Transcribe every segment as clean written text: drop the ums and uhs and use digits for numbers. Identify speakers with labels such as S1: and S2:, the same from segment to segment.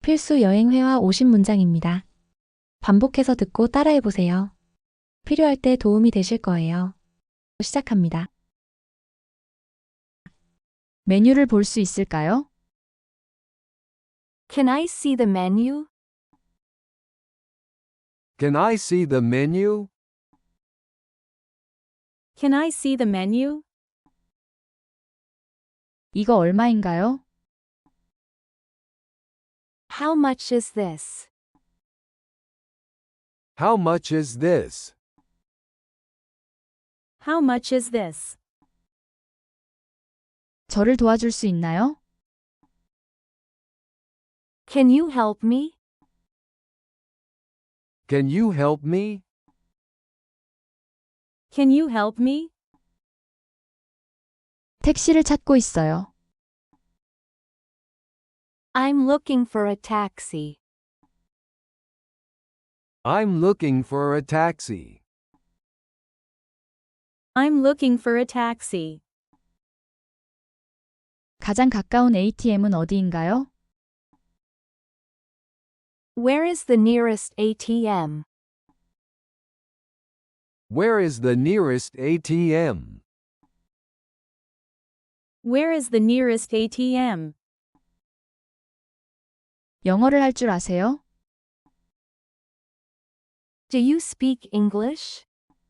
S1: 필수 여행회화 50문장입니다. 반복해서 듣고 따라해보세요. 필요할 때 도움이 되실 거예요. 시작합니다. 메뉴를 볼 수 있을까요?
S2: Can I see the menu?
S3: Can I see the menu?
S2: Can I see the menu?
S1: 이거 얼마인가요?
S2: How much is this?
S3: How much is this?
S2: How much is this?
S1: 저를 도와줄 수 있나요?
S2: Can you help me?
S3: Can you help me?
S2: Can you help me?
S1: 택시를 찾고 있어요.
S2: I'm looking for a taxi.
S3: I'm looking for a taxi.
S2: I'm looking for a taxi.
S1: 가장 가까운 ATM은 어디인가요?
S2: Where is the nearest ATM?
S3: Where is the nearest ATM?
S2: Where is the nearest ATM?
S1: 영어를 할 줄 아세요?
S2: Do you speak English?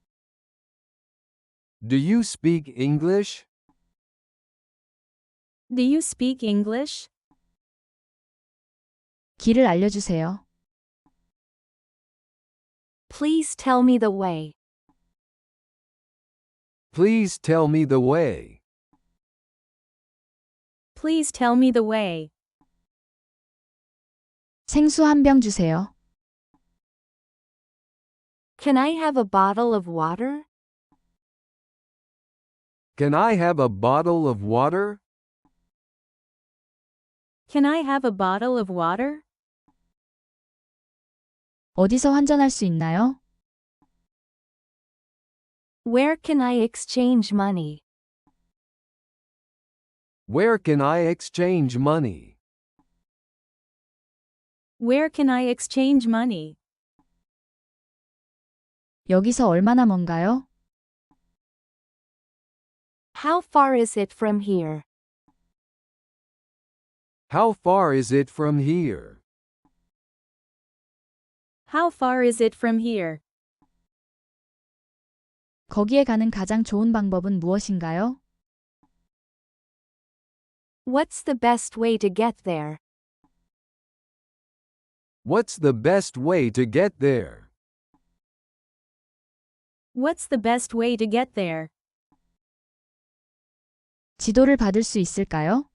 S3: Do you speak English?
S2: Do you speak English?
S1: 길을 알려주세요.
S2: Please tell me the way.
S3: Please tell me the way.
S2: Please tell me the way.
S1: 생수 한 병 주세요.
S2: Can I have a bottle of water?
S3: Can I have a bottle of water?
S2: Can I have a bottle of water?
S1: 어디서 환전할 수 있나요?
S2: Where can I exchange money?
S3: Where can I exchange money?
S2: Where can I exchange money?
S1: 여기서 얼마나 먼가요?
S2: How far is it from here?
S3: How far is it from here?
S2: How far is it from here?
S1: 거기에 가는 가장 좋은 방법은 무엇인가요?
S2: What's the best way to get there?
S3: What's the best way to get there?
S2: What's the best way to get there?
S1: 지도를 받을 수 있을까요?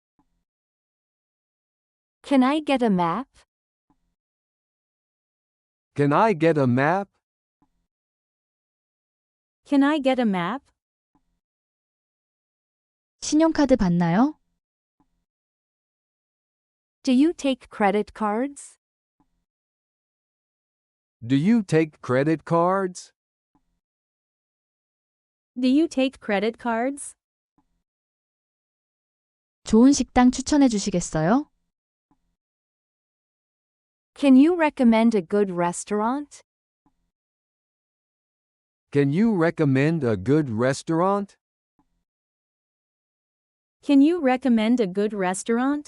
S2: Can I get a map?
S3: Can I get a map?
S2: Can I get a map?
S1: 신용카드 받나요?
S2: Do you take credit cards?
S3: Do you take credit cards?
S2: Do you take credit cards?
S1: 좋은 식당 추천해 주시겠어요?
S2: Can you recommend a good restaurant?
S3: Can you recommend a good restaurant?
S2: Can you recommend a good restaurant?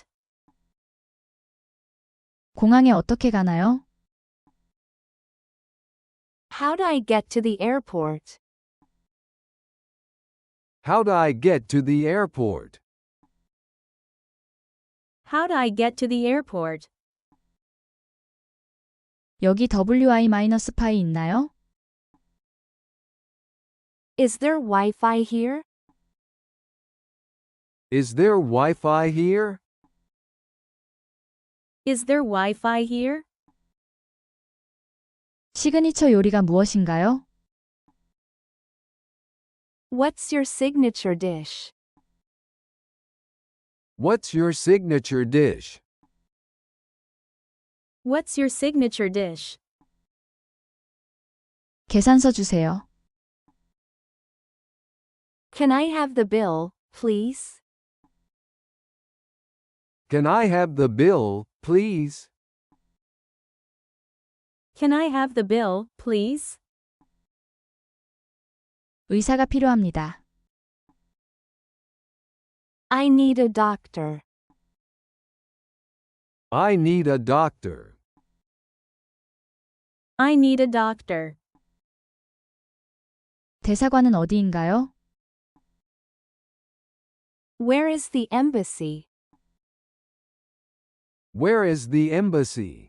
S1: 공항에 어떻게 가나요?
S2: How do I get to the airport?
S3: How do I get to the airport?
S2: How do I get to the airport?
S1: 여기 WI-파이 있나요?
S2: Is there Wi-Fi here?
S3: Is there Wi-Fi here?
S2: Is there Wi-Fi here?
S1: 시그니처 요리가 무엇인가요?
S2: What's your signature dish?
S3: What's your signature dish?
S2: What's your signature dish?
S1: 계산서 주세요.
S2: Can I have the bill, please?
S3: Can I have the bill, please?
S2: Can I have the bill, please?
S1: 의사가 필요합니다.
S2: I need a doctor.
S3: I need a doctor.
S2: I need a doctor.
S1: 대사관은 어디인가요?
S2: Where is the embassy?
S3: Where is the embassy?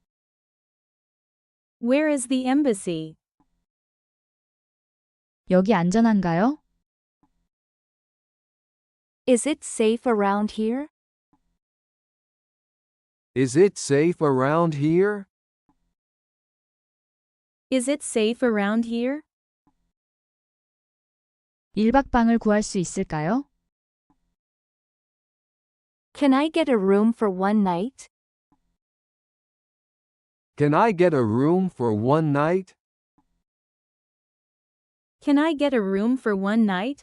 S2: Where is the embassy?
S1: 여기 안전한가요?
S2: Is it safe around here?
S3: Is it safe around here?
S2: Is it safe around here?
S1: 1박 방을 구할 수 있을까요?
S2: Can I get a room for one night?
S3: Can I get a room for one night?
S2: Can I get a room for one night?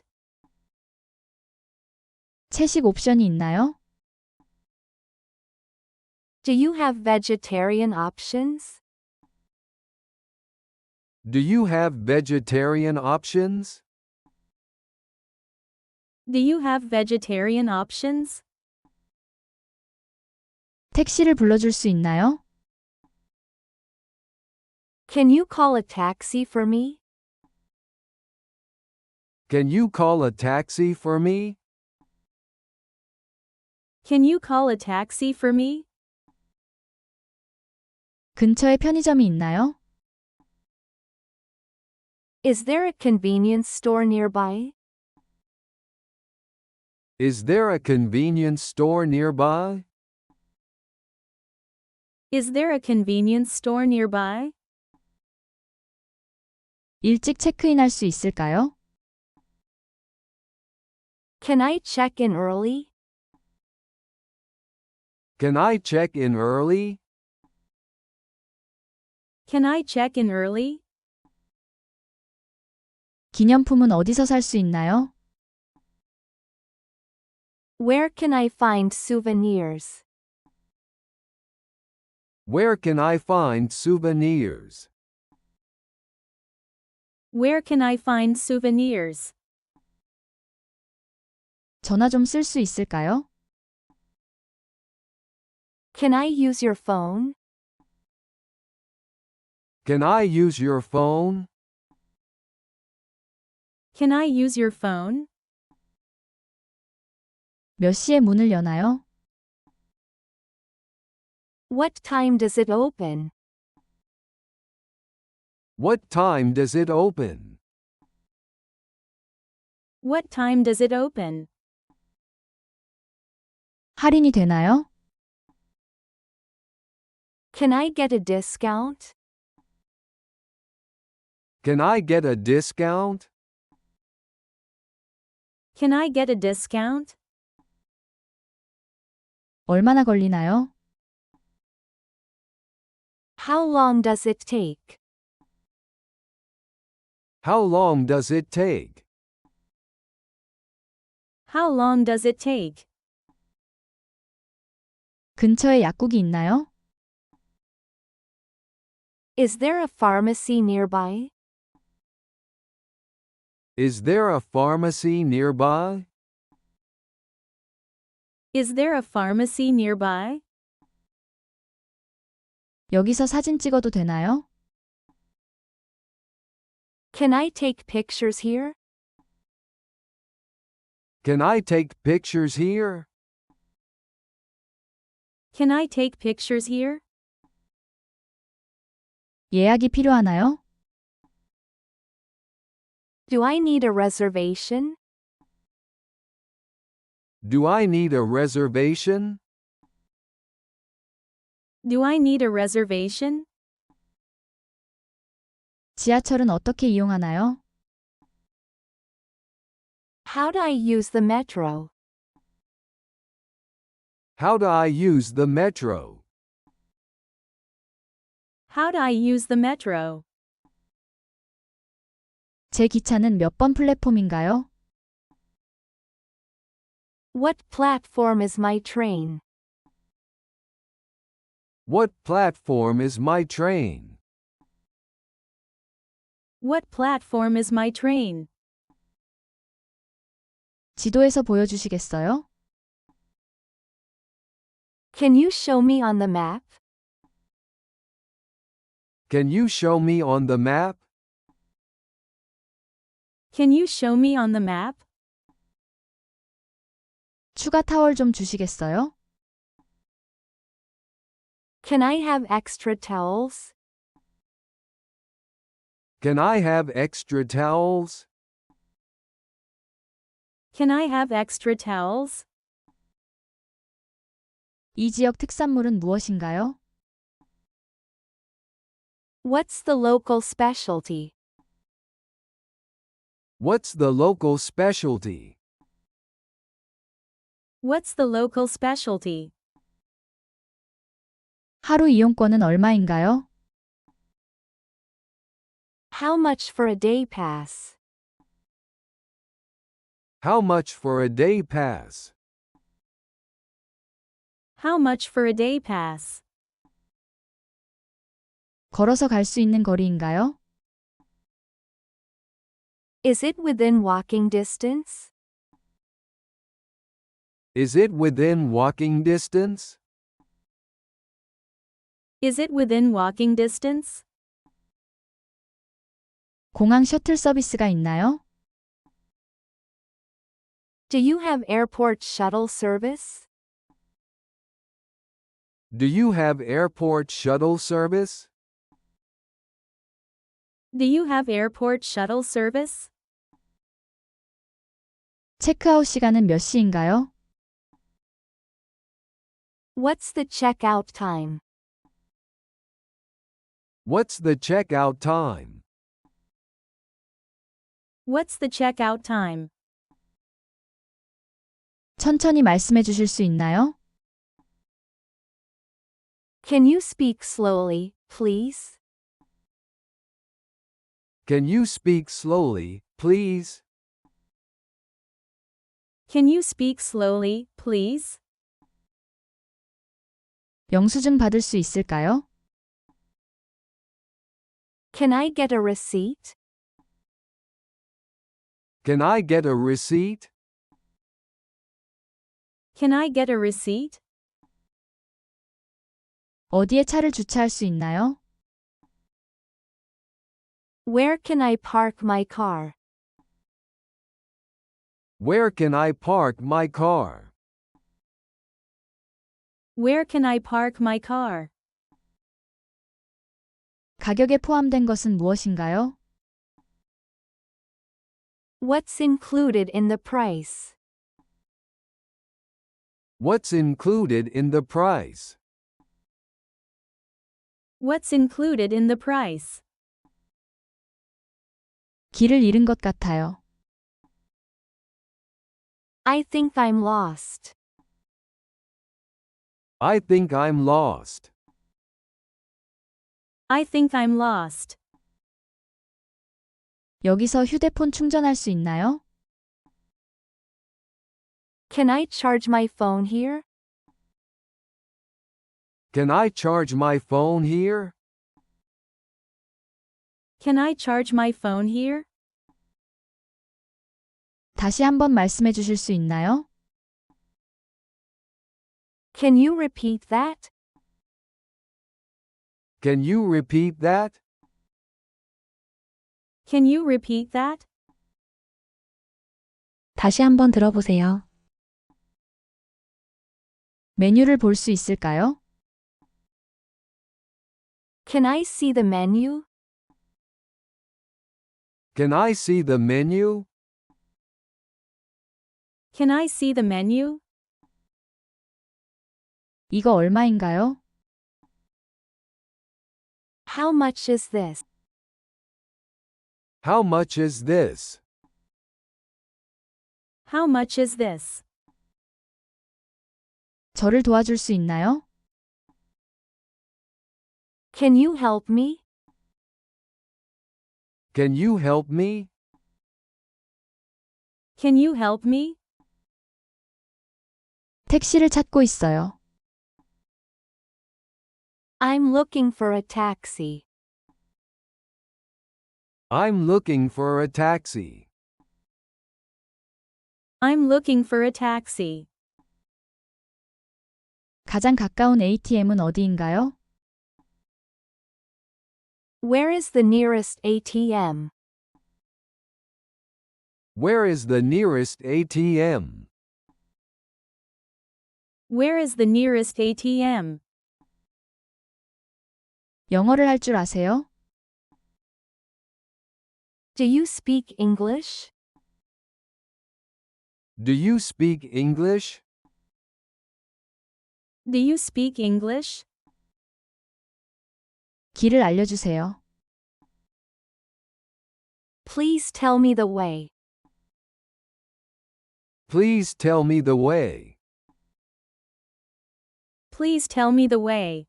S1: 채식 옵션이 있나요?
S2: Do you have vegetarian options?
S3: Do you have vegetarian options?
S2: Do you have vegetarian options?
S1: 택시를 불러줄 수 있나요?
S2: Can you call a taxi for me?
S3: Can you call a taxi for me?
S2: Can you call a taxi for me?
S1: 근처에 편의점이 있나요?
S2: Is there a convenience store nearby?
S3: Is there a convenience store nearby?
S2: Is there a convenience store nearby?
S1: 일찍 체크인할 수 있을까요?
S2: Can I check in early?
S3: Can I check in early?
S2: Can I check in early?
S1: 기념품은 어디서 살 수 있나요?
S2: Where can I find souvenirs?
S3: Where can I find souvenirs?
S2: Where can I find souvenirs?
S1: 전화 좀 쓸 수 있을까요?
S2: Can I use your phone?
S3: Can I use your phone?
S2: Can I use your phone?
S1: 몇 시에 문을 여나요?
S2: What time does it open?
S3: What time does it open?
S2: What time does it open?
S1: 할인이 되나요?
S2: Can I get a discount?
S3: Can I get a discount?
S2: Can I get a discount?
S1: 얼마나 걸리나요?
S2: How long does it take?
S3: How long does it take?
S2: How long does it take?
S1: 근처에 약국이 있나요?
S2: Is there a pharmacy nearby?
S3: Is there a pharmacy nearby?
S2: Is there a pharmacy nearby?
S1: 여기서 사진 찍어도 되나요?
S2: Can I take pictures here?
S3: Can I take pictures here?
S2: Can I take pictures here?
S1: 예약이 필요하나요?
S2: Do I need a reservation?
S3: Do I need a reservation?
S2: Do I need a reservation?
S1: 지하철은 어떻게 이용하나요?
S2: How do I use the metro?
S3: How do I use the metro?
S2: How do I use the metro?
S1: 제 기차는 몇 번 플랫폼인가요?
S2: What platform is my train?
S3: What platform is my train?
S4: What platform is my train?
S1: 지도에서 보여주시겠어요?
S2: Can you show me on the map?
S3: Can you show me on the map?
S4: Can you show me on the map?
S1: 추가 타월 좀 주시겠어요?
S2: Can I have extra towels?
S3: Can I have extra towels?
S4: Can I have extra towels?
S1: 이 지역 특산물은 무엇인가요?
S2: What's the local specialty?
S3: What's the local specialty?
S4: What's the local specialty?
S1: 하루 이용권은 얼마인가요?
S2: How much for a day pass?
S3: How much for a day pass?
S4: How much for a day pass?
S1: 걸어서 갈 수 있는 거리인가요?
S2: Is it within walking distance?
S3: Is it within walking distance?
S4: Is it within walking distance?
S1: 공항 셔틀 서비스가 있나요?
S2: Do you have airport shuttle service?
S3: Do you have airport shuttle service?
S4: Do you have airport shuttle service?
S1: 체크아웃 시간은 몇 시인가요?
S2: What's the checkout time?
S3: What's the checkout time?
S4: What's the checkout time?
S1: 천천히 말씀해 주실 수 있나요?
S2: Can you speak slowly, please?
S3: Can you speak slowly, please?
S4: Can you speak slowly, please?
S1: 영수증 받을 수 있을까요?
S2: Can I get a receipt?
S3: Can I get a receipt?
S4: Can I get a receipt?
S1: 어디에 차를 주차할 수 있나요?
S2: Where can I park my car?
S3: Where can I park my car?
S4: Where can I park my car?
S1: 가격에 포함된 것은 무엇인가요?
S2: What's included in the price?
S3: What's included in the price?
S4: What's included in the price?
S1: 길을 잃은 것 같아요.
S2: I think I'm lost.
S3: I think I'm lost.
S4: I think I'm lost.
S1: 여기서 휴대폰 충전할 수 있나요?
S2: Can I charge my phone here?
S3: Can I charge my phone here?
S4: Can I charge my phone here?
S1: 다시 한번 말씀해 주실 수 있나요?
S2: Can you repeat that?
S3: Can you repeat that?
S4: Can you repeat that?
S1: 다시 한번 들어보세요. 메뉴를 볼 수 있을까요?
S2: Can I see the menu?
S3: Can I see the menu?
S4: Can I see the menu?
S1: 이거 얼마인가요?
S2: How much is this?
S3: How much is this?
S4: How much is this?
S1: 저를 도와줄 수 있나요?
S2: Can you help me?
S3: Can you help me?
S4: Can you help me?
S1: 택시를 찾고 있어요.
S2: I'm looking for a taxi.
S3: I'm looking for a taxi.
S4: I'm looking for a taxi.
S1: 가장 가까운 ATM은 어디인가요?
S2: Where is the nearest ATM?
S3: Where is the nearest ATM?
S4: Where is the nearest ATM?
S1: 영어를 할 줄 아세요?
S2: Do you speak English?
S3: Do you speak English?
S4: Do you speak English?
S1: 길을 알려주세요.
S2: Please tell me the way.
S3: Please tell me the way.
S4: Please tell me the way.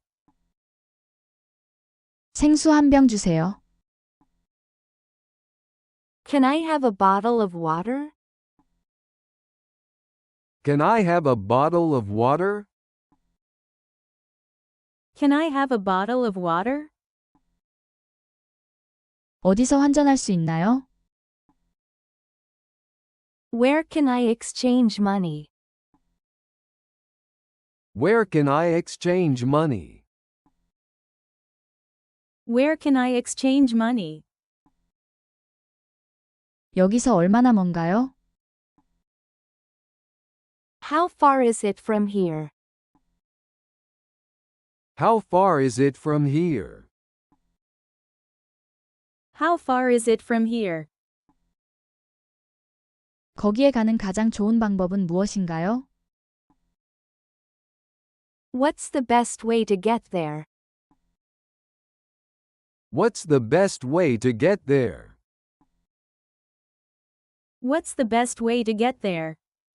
S1: 생수 한 병 주세요.
S2: Can I have a bottle of water?
S3: Can I have a bottle of water?
S4: Can I have a bottle of water?
S1: 어디서 환전할 수 있나요?
S2: Where can I exchange money?
S3: Where can I exchange money?
S4: Where can I exchange money?
S1: 여기서 얼마나 먼가요?
S2: How far is it from here?
S3: How far is it from here?
S4: How far is it from here?
S1: 거기에 가는 가장 좋은 방법은 무엇인가요?
S2: What's the best way to get there?
S3: What's the best way to get there?
S4: What's the best way to get there?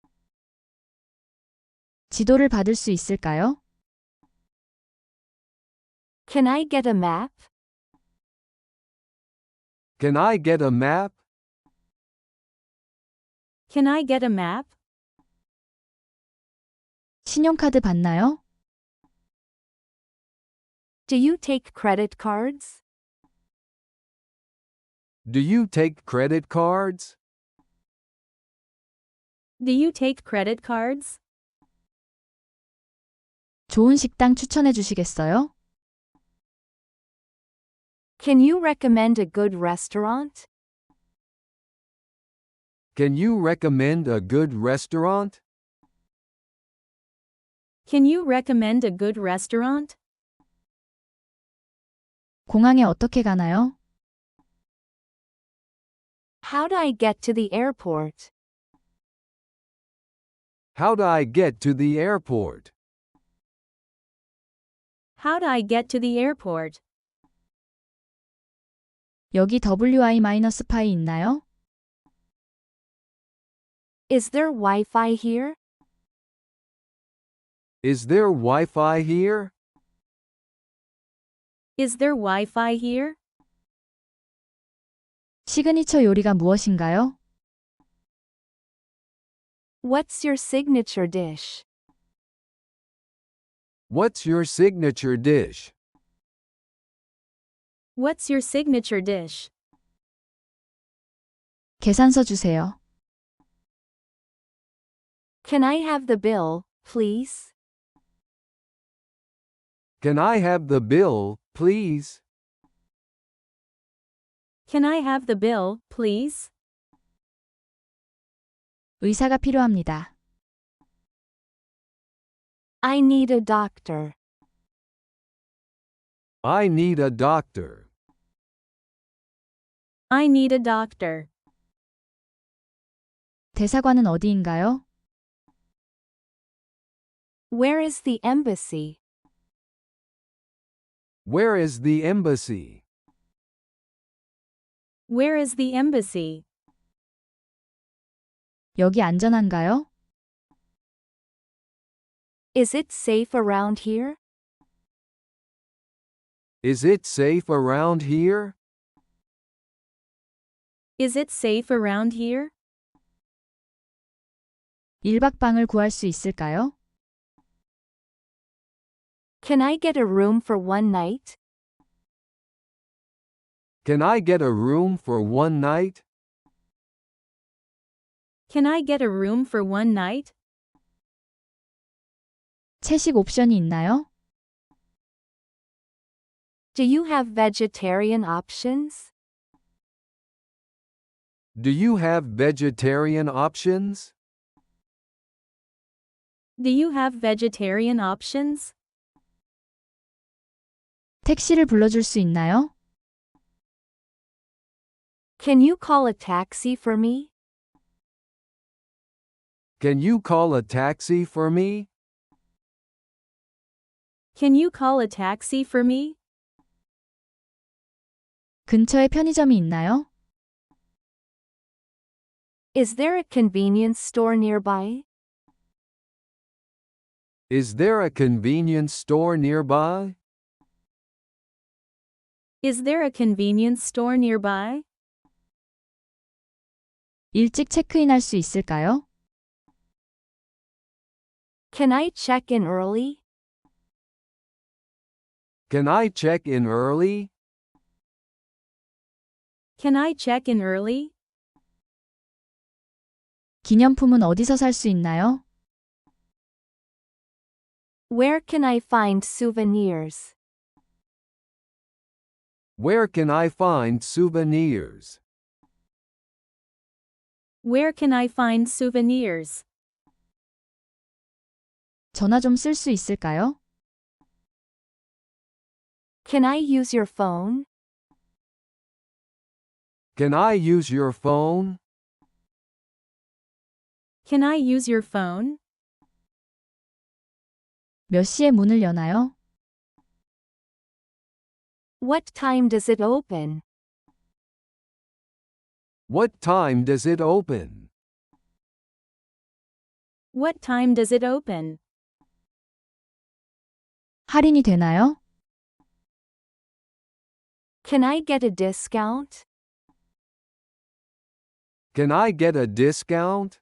S1: 지도를 받을 수 있을까요?
S2: Can I get a map?
S3: Can I get a map?
S4: Can I get a map?
S1: 신용카드 받나요?
S2: Do you take credit cards?
S3: Do you take credit cards?
S4: Do you take credit cards?
S1: 좋은 식당 추천해 주시겠어요?
S2: Can you recommend a good restaurant?
S3: Can you recommend a good restaurant?
S4: Can you recommend a good restaurant?
S1: 공항에 어떻게 가나요?
S2: How do I get to the airport?
S3: How do I get to the airport?
S4: How do I get to the airport?
S1: 여기 WI-파이 있나요?
S2: Is there Wi-Fi here?
S3: Is there Wi-Fi here?
S4: Is there Wi-Fi here?
S1: 시그니처 요리가 무엇인가요?
S2: What's your signature dish?
S3: What's your signature dish?
S4: What's your signature dish?
S1: 계산서 주세요.
S2: Can I have the bill, please?
S3: Can I have the bill, please?
S4: Can I have the bill, please?
S1: 의사가 필요합니다.
S2: I need a doctor.
S3: I need a doctor.
S4: I need a doctor.
S1: 대사관은 어디인가요?
S2: Where is the embassy?
S3: Where is the embassy?
S4: Where is the embassy?
S1: 여기 안전한가요?
S2: Is it safe around here?
S3: Is it safe around here?
S4: Is it safe around here?
S1: 1박 방을 구할 수 있을까요?
S2: Can I get a room for one night?
S3: Can I get a room for one night?
S4: Can I get a room for one night?
S1: 채식 옵션이 있나요?
S2: Do you have vegetarian options?
S3: Do you have vegetarian options?
S4: Do you have vegetarian options?
S1: 택시를 불러줄 수 있나요?
S2: Can you call a taxi for me?
S3: Can you call a taxi for me?
S4: Can you call a taxi for me?
S1: 근처에 편의점이 있나요?
S2: Is there a convenience store nearby?
S3: Is there a convenience store nearby?
S4: Is there a convenience store nearby?
S1: 일찍 체크인할 수 있을까요?
S2: Can I check in early?
S3: Can I check in early?
S4: Can I check in early?
S1: 기념품은 어디서 살 수 있나요?
S2: Where can I find souvenirs?
S3: Where can I find souvenirs?
S4: Where can I find souvenirs?
S1: 전화 좀 쓸 수 있을까요?
S2: Can I use your phone?
S3: Can I use your phone?
S4: Can I use your phone?
S1: 몇 시에 문을 여나요?
S2: What time does it open?
S3: What time does it open?
S4: What time does it open?
S1: 할인이 되나요?
S2: Can I get a discount?
S3: Can I get a discount?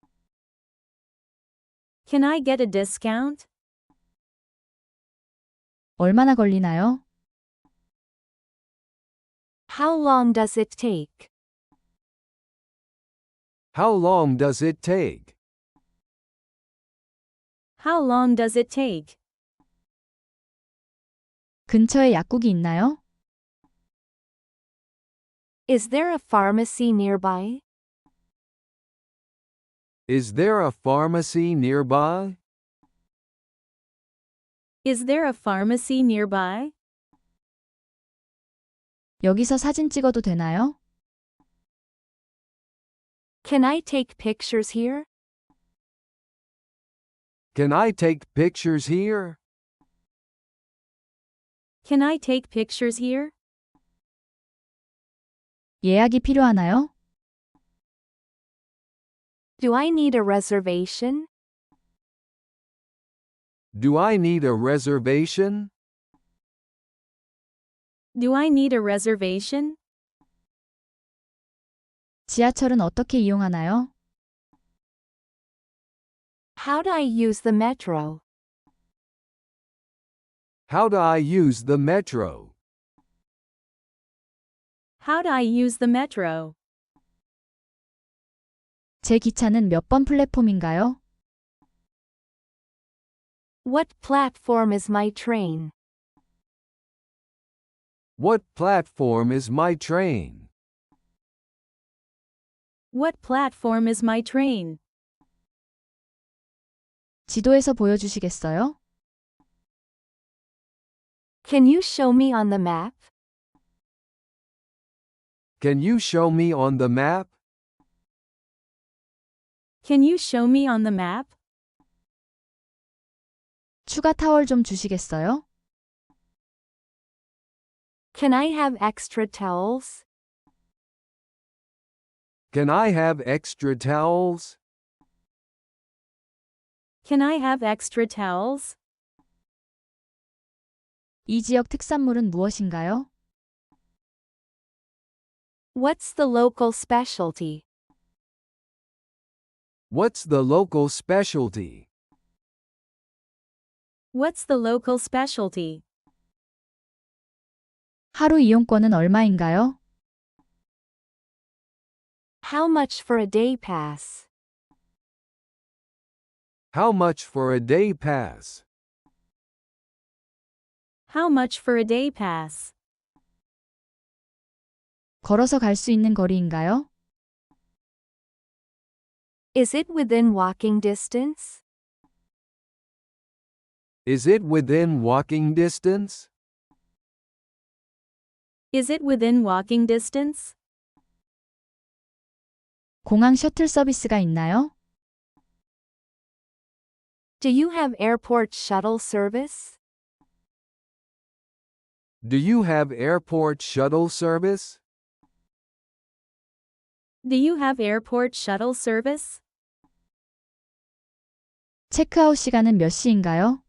S4: Can I get a discount?
S1: 얼마나 걸리나요?
S2: How long does it take?
S3: How long does it take?
S4: How long does it take?
S1: 근처에 약국이 있나요?
S2: Is there a pharmacy nearby?
S3: Is there a pharmacy nearby?
S4: Is there a pharmacy nearby?
S1: 여기서 사진 찍어도 되나요?
S2: Can I take pictures here?
S3: Can I take pictures here?
S4: Can I take pictures here?
S1: 예약이 필요하나요?
S2: Do I need a reservation?
S3: Do I need a reservation?
S4: Do I need a reservation?
S1: 지하철은 어떻게 이용하나요?
S2: How do I use the metro?
S3: How do I use the metro?
S4: How do I use the metro?
S1: 제 기차는 몇 번 플랫폼인가요?
S2: What platform is my train?
S3: What platform is my train?
S4: What platform is my train?
S1: 지도에서 보여주시겠어요?
S2: Can you show me on the map?
S3: Can you show me on the map?
S4: Can you show me on the map?
S1: 추가 타월 좀 주시겠어요?
S2: Can I have extra towels?
S3: Can I have extra towels?
S4: Can I have extra towels?
S1: 이 지역 특산물은 무엇인가요?
S2: What's the local specialty?
S3: What's the local specialty?
S4: What's the local specialty?
S1: 하루 이용권은 얼마인가요?
S2: How much for a day pass?
S3: How much for a day pass?
S4: How much for a day pass?
S1: 걸어서 갈 수 있는 거리인가요?
S2: Is it within walking distance?
S3: Is it within walking distance?
S4: Is it within walking distance?
S1: 공항 셔틀 서비스가 있나요?
S2: Do you have airport shuttle service?
S3: Do you have airport shuttle service?
S4: Do you have airport shuttle service?
S1: 체크아웃 시간은 몇 시인가요?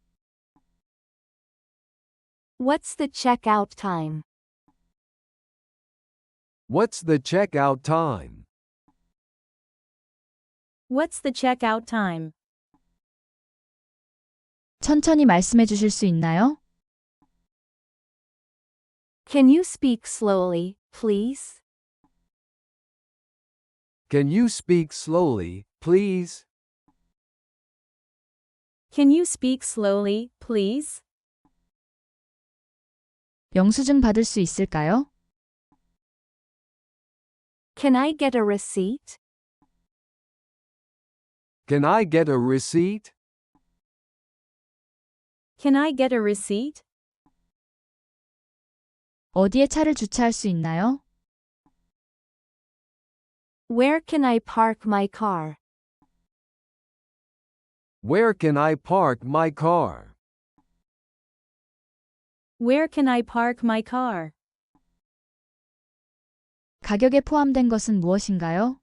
S2: What's the checkout time?
S3: What's the checkout time?
S4: What's the checkout time?
S1: 천천히 말씀해 주실 수 있나요?
S2: Can you speak slowly, please?
S3: Can you speak slowly, please?
S4: Can you speak slowly, please?
S1: 영수증 받을 수 있을까요?
S2: Can I get a receipt?
S3: Can I get a receipt?
S4: Can I get a receipt?
S1: 어디에 차를 주차할 수 있나요?
S2: Where can I park my car?
S3: Where can I park my car?
S4: Where can I park my car?
S1: 가격에 포함된 것은 무엇인가요?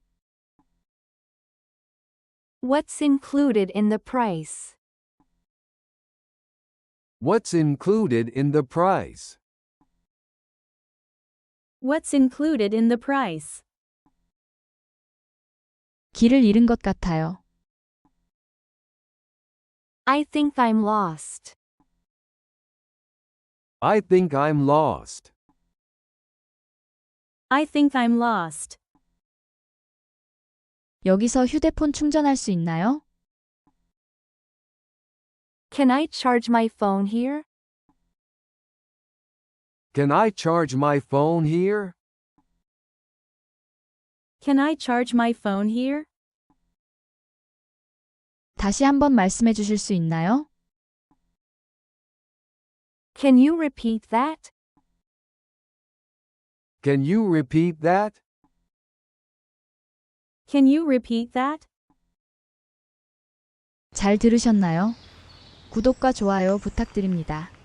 S2: What's included in the price?
S3: What's included in the price?
S4: What's included in the price?
S1: 길을 잃은 것 같아요.
S2: I think I'm lost.
S3: I think I'm lost.
S4: I think I'm lost.
S1: 여기서 휴대폰 충전할 수 있나요?
S2: Can I charge my phone here?
S3: Can I charge my phone here?
S4: Can I charge my phone here?
S1: 다시 한번 말씀해 주실 수 있나요?
S2: Can you repeat that?
S3: Can you repeat that?
S4: Can you repeat that?
S1: 잘 들으셨나요? 구독과 좋아요 부탁드립니다.